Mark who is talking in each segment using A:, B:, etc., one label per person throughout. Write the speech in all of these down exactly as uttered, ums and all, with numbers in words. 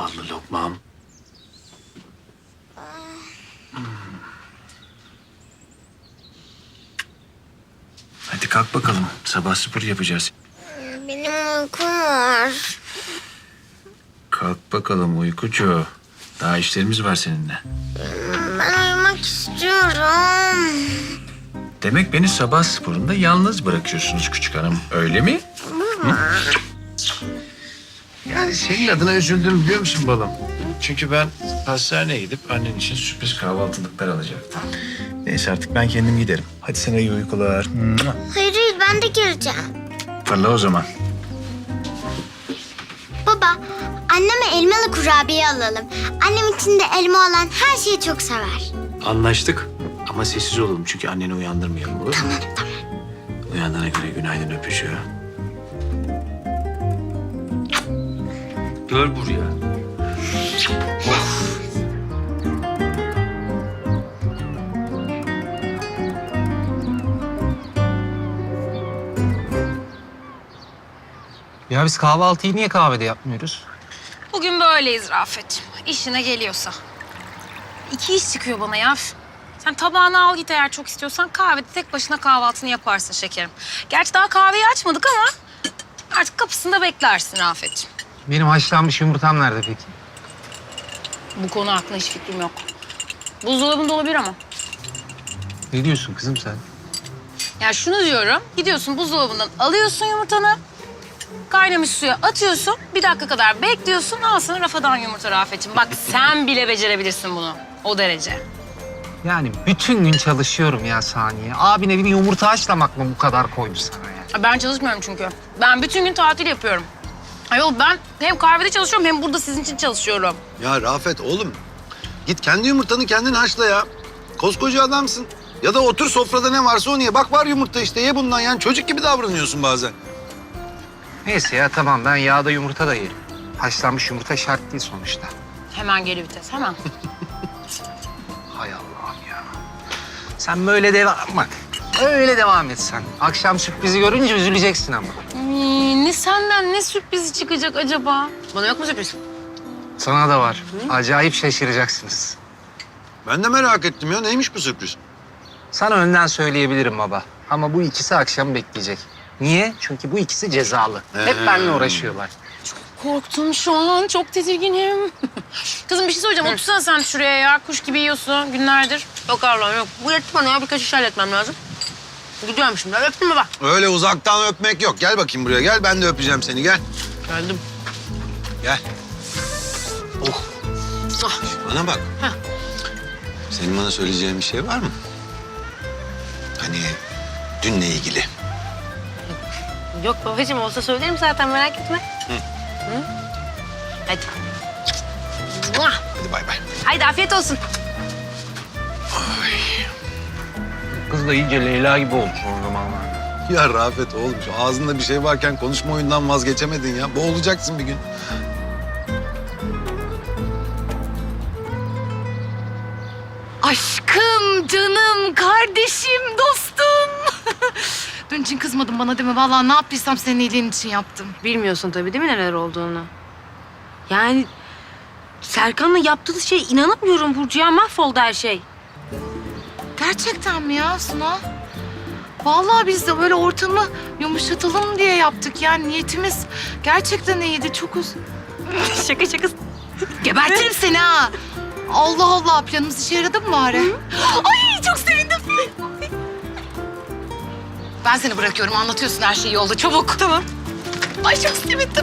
A: ballı lokmam. Hmm. Hadi kalk bakalım. Sabah spor yapacağız.
B: Benim uykum var.
A: Kalk bakalım uykucu. Daha işlerimiz var seninle.
B: Ben uyumak istiyorum.
A: Demek beni sabah sporunda yalnız bırakıyorsunuz küçük hanım. Öyle mi? Hı? Yani senin adına üzüldüm biliyor musun balım? Çünkü ben hastaneye gidip annen için sürpriz kahvaltılıklar alacaktım. Neyse artık ben kendim giderim. Hadi sana iyi uykular.
B: Hayır hayır ben de geleceğim.
A: Fırla o zaman.
B: Baba anneme elmalı kurabiye alalım. Annem içinde elma olan her şeyi çok sever.
A: Anlaştık. Ama sessiz olalım çünkü anneni uyandırmayalım olur mu?
B: Tamam tamam.
A: Uyandığına göre günaydın öpücüğü. Gel buraya.
C: Ya biz kahvaltıyı niye kahvede yapmıyoruz?
D: Bugün böyleyiz Rafet. İşine geliyorsa. İki iş çıkıyor bana ya. Sen tabağını al git eğer çok istiyorsan kahvede tek başına kahvaltını yaparsın şekerim. Gerçi daha kahveyi açmadık ama artık kapısında beklersin Rafet'ciğim.
C: Benim haşlanmış yumurtam nerede peki?
D: Bu konu hakkında hiç fikrim yok. Buzdolabında olabilir ama.
C: Ne diyorsun kızım sen?
D: Yani şunu diyorum, gidiyorsun buzdolabından alıyorsun yumurtanı, kaynamış suya atıyorsun, bir dakika kadar bekliyorsun, al sana rafadan yumurta Rafet'ciğim. Bak sen bile becerebilirsin bunu, o derece.
C: Yani bütün gün çalışıyorum ya Saniye. Abine bir yumurta haşlamak mı bu kadar koydu sana ya?
D: Ben çalışmıyorum çünkü. Ben bütün gün tatil yapıyorum. Ayol ben hem kahvede çalışıyorum hem burada sizin için çalışıyorum.
E: Ya Rafet oğlum, git kendi yumurtanı kendin haşla ya. Koskoca adamsın. Ya da otur sofrada ne varsa onu ye. Bak var yumurta işte, ye bundan. Yani çocuk gibi davranıyorsun bazen.
C: Neyse ya tamam, ben yağda yumurta da yerim. Haşlanmış yumurta şart değil sonuçta.
D: Hemen geri vites, hemen.
C: Hay Allah'ım ya. Sen böyle devam bak. Öyle devam et sen. Akşam sürprizi görünce üzüleceksin ama.
D: Hmm, ne senden ne sürprizi çıkacak acaba? Bana yok mu sürpriz?
C: Sana da var. Acayip şaşıracaksınız.
E: Ben de merak ettim ya. Neymiş bu sürpriz?
C: Sana önden söyleyebilirim baba. Ama bu ikisi akşam bekleyecek. Niye? Çünkü bu ikisi cezalı. Hep
E: Ee.
C: benimle uğraşıyorlar.
D: Korktum şu an, çok tedirginim. Kızım bir şey söyleyeceğim, otursana sen şuraya ya. Kuş gibi yiyorsun günlerdir. Yok Allah'ım yok. Bu yetti bana ya, birkaç iş halletmem lazım. Gidiyorum şimdi, öptün mü bak?
E: Öyle uzaktan öpmek yok. Gel bakayım buraya. Gel, ben de öpeceğim seni. Gel.
D: Geldim.
E: Gel. Oh.
D: Ah.
E: Bana bak.
D: Heh.
E: Senin bana söyleyeceğin bir şey var mı? Hani dünle ilgili.
D: Yok babacığım, olsa söylerim zaten, merak etme. Hı. Hı? Hadi. Muah!
E: Hadi bay bay.
D: Haydi afiyet olsun.
C: Kız da iyice Leyla gibi olmuş o zamanlarda.
E: Ya Rafet oğlum, şu ağzında bir şey varken konuşma oyundan vazgeçemedin ya. Boğulacaksın bir gün.
F: Aşkım, canım, kardeşim, dostum. Dün için kızmadın bana değil mi? Vallahi ne yaptıysam senin iyiliğin için yaptım.
G: Bilmiyorsun tabii değil mi neler olduğunu? Yani Serkan'la yaptığı şey inanamıyorum Burcu ya. Mahvoldu her şey.
F: Gerçekten mi ya Suna? Vallahi biz de böyle ortamı yumuşatalım diye yaptık. Yani niyetimiz gerçekten iyiydi. Çok uz...
G: Şaka şaka.
F: Gebertirim seni ha. Allah Allah, planımız işe yaradı mı bari? Ay çok sevindim. Ben seni bırakıyorum, anlatıyorsun her şey yolda. Çabuk. Tamam. Ay çok sevindim.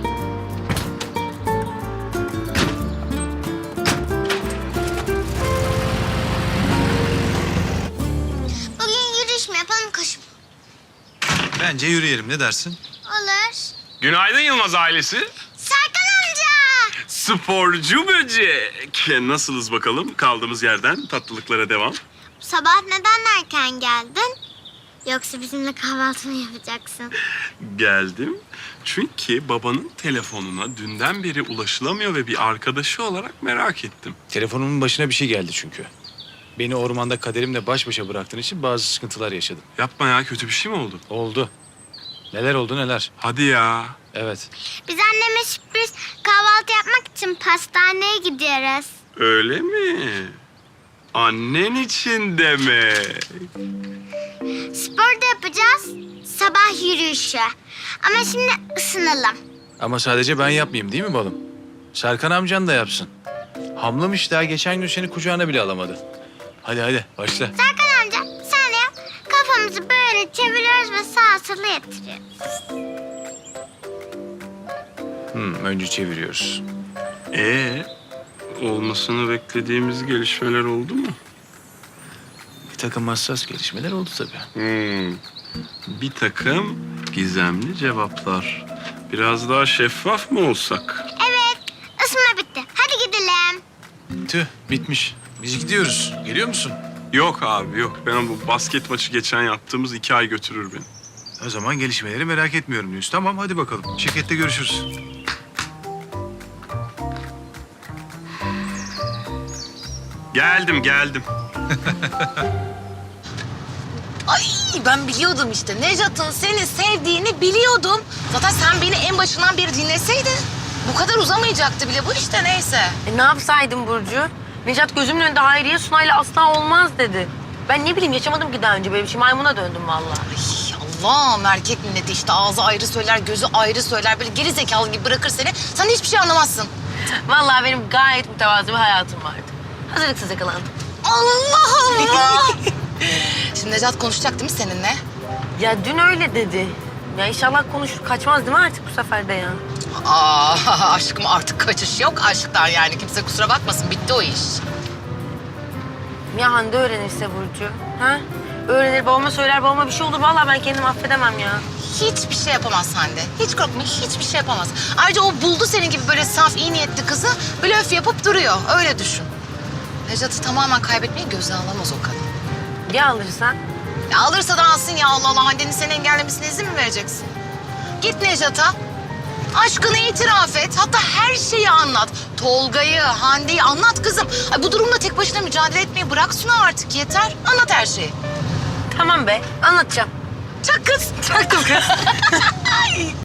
B: Bugün yürüyüş mü yapalım koşu mu?
E: Bence yürüyelim. Ne dersin?
B: Olur.
H: Günaydın Yılmaz ailesi.
B: Serkan amca.
H: Sporcu böcek. Nasılız bakalım? Kaldığımız yerden tatlılıklara devam.
B: Sabah neden erken geldin? Yoksa bizimle kahvaltı mı yapacaksın?
H: Geldim. Çünkü babanın telefonuna dünden beri ulaşılamıyor ve bir arkadaşı olarak merak ettim.
A: Telefonumun başına bir şey geldi çünkü. Beni ormanda kaderimle baş başa bıraktığın için bazı sıkıntılar yaşadım.
H: Yapma ya, kötü bir şey mi oldu?
A: Oldu. Neler oldu neler?
H: Hadi ya.
A: Evet.
B: Biz anneme sürpriz kahvaltı yapmak için pastaneye gidiyoruz.
H: Öyle mi? Annen için demek.
B: Spor da yapacağız. Sabah yürüyüşü. Ama şimdi ısınalım.
A: Ama sadece ben yapmayayım değil mi balım? Serkan amcan da yapsın. Hamlamış daha geçen gün seni kucağına bile alamadı. Hadi hadi başla.
B: Serkan amca sen de yap. Kafamızı böyle çeviriyoruz ve sağa sola yatırıyoruz.
A: Hmm, önce çeviriyoruz.
H: Ee, olmasını beklediğimiz gelişmeler oldu mu?
A: Bir takım hassas gelişmeler oldu tabii.
H: Hmm. Bir takım gizemli cevaplar. Biraz daha şeffaf mı olsak?
B: Evet, ısınma bitti. Hadi gidelim.
A: Tüh bitmiş. Biz gidiyoruz. Geliyor musun?
H: Yok abi yok. Ben bu basket maçı geçen yaptığımız iki ay götürür beni.
A: O zaman gelişmeleri merak etmiyorum diyorsun. Tamam hadi bakalım. Şirkette görüşürüz.
H: Geldim geldim.
F: Ay ben biliyordum işte. Nejat'ın seni sevdiğini biliyordum. Zaten sen beni en başından beri dinleseydin bu kadar uzamayacaktı bile bu işte neyse.
G: E, ne yapsaydım Burcu? Necat gözümün önünde Hayriye Sunay'la asla olmaz dedi. Ben ne bileyim yaşamadım ki daha önce böyle bir şey. Maymuna döndüm vallahi.
F: Ay Allah'ım erkek milleti işte ağzı ayrı söyler, gözü ayrı söyler. Böyle geri zekalı gibi bırakır seni. Sen de hiçbir şey anlamazsın.
G: Vallahi benim gayet mütevazı bir hayatım vardı. Hazırlıksız yakalandım.
F: Allah Allah! Şimdi Necat konuşacak değil mi seninle?
G: Ya dün öyle dedi. Ya inşallah konuşur. Kaçmaz değil mi artık bu sefer de ya?
F: Aa aşkım artık kaçış yok aşktan yani. Kimse kusura bakmasın bitti o iş.
G: Ya Hande öğrenirse Burcu? Ha? Öğrenir babama söyler babama bir şey olur. Vallahi ben kendimi affedemem ya.
F: Hiçbir şey yapamaz Hande. Hiç korkma hiçbir şey yapamaz. Ayrıca o buldu senin gibi böyle saf iyi niyetli kızı. Blöf yapıp duruyor. Öyle düşün. Necat'ı tamamen kaybetmeyi göze alamaz o kadın.
G: Ya alırsan?
F: Ya alırsa da alsın ya Allah Allah. Hande'nin seni engellemesine izin mi vereceksin? Git Necat'a. Aşkını itiraf et. Hatta her şeyi anlat. Tolga'yı, Hande'yi anlat kızım. Ay, bu durumla tek başına mücadele etmeyi bırak Suna artık yeter. Anlat her şeyi.
G: Tamam be anlatacağım.
F: Çak kız.
G: Çaktım kız.